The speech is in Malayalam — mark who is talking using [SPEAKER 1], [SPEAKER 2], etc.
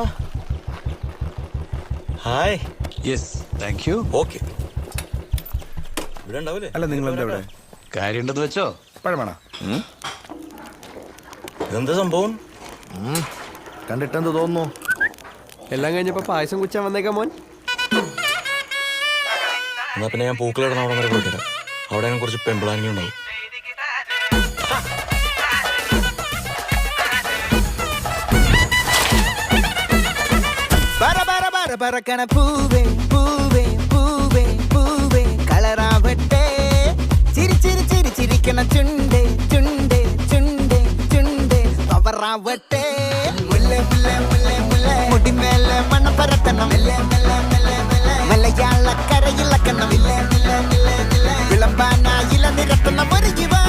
[SPEAKER 1] Hi.
[SPEAKER 2] Yes, thank you.
[SPEAKER 1] Okay. ഇവിടെ ഉണ്ടാവൂലേ?
[SPEAKER 3] അല്ല നിങ്ങൾ എന്താ ഇവിടെ?
[SPEAKER 2] കാര്യമുണ്ടെന്ന് വെച്ചോ.
[SPEAKER 3] പഴമാണോ?
[SPEAKER 1] ഇതെന്താ സംഭവം?
[SPEAKER 3] കണ്ടിട്ടെന്ത് തോന്നുന്നു?
[SPEAKER 4] എല്ലാം കഴിഞ്ഞപ്പോ പായസം കുച്ചാൻ വന്നേക്കാം മോൻ.
[SPEAKER 1] എന്നാ പിന്നെ ഞാൻ പൂക്കളിടണ അവിടെ വരെ പോയിട്ട് വരാം. അവിടെ ഞാൻ കുറച്ച് പെമ്പിളാനിങ്ങളുണ്ടാവും.
[SPEAKER 5] പറക്കണ പൂവേ പൂവേ പൂവേ പൂവേ കളറാവട്ടെ ചിരി ചിരി ചിരി ചിരിക്കണ ചുണ്ടേ ചുണ്ടേ ചുണ്ടേ ചുണ്ടേ പവറാവട്ടെ മുല്ല മുല്ല മുല്ല മുല്ല മുടിമേലെ മണ്ണ പരത്തണം മലയാള കരയിലക്കണം വിളമ്പാനായില നിരത്തണം ഒരു ജീവ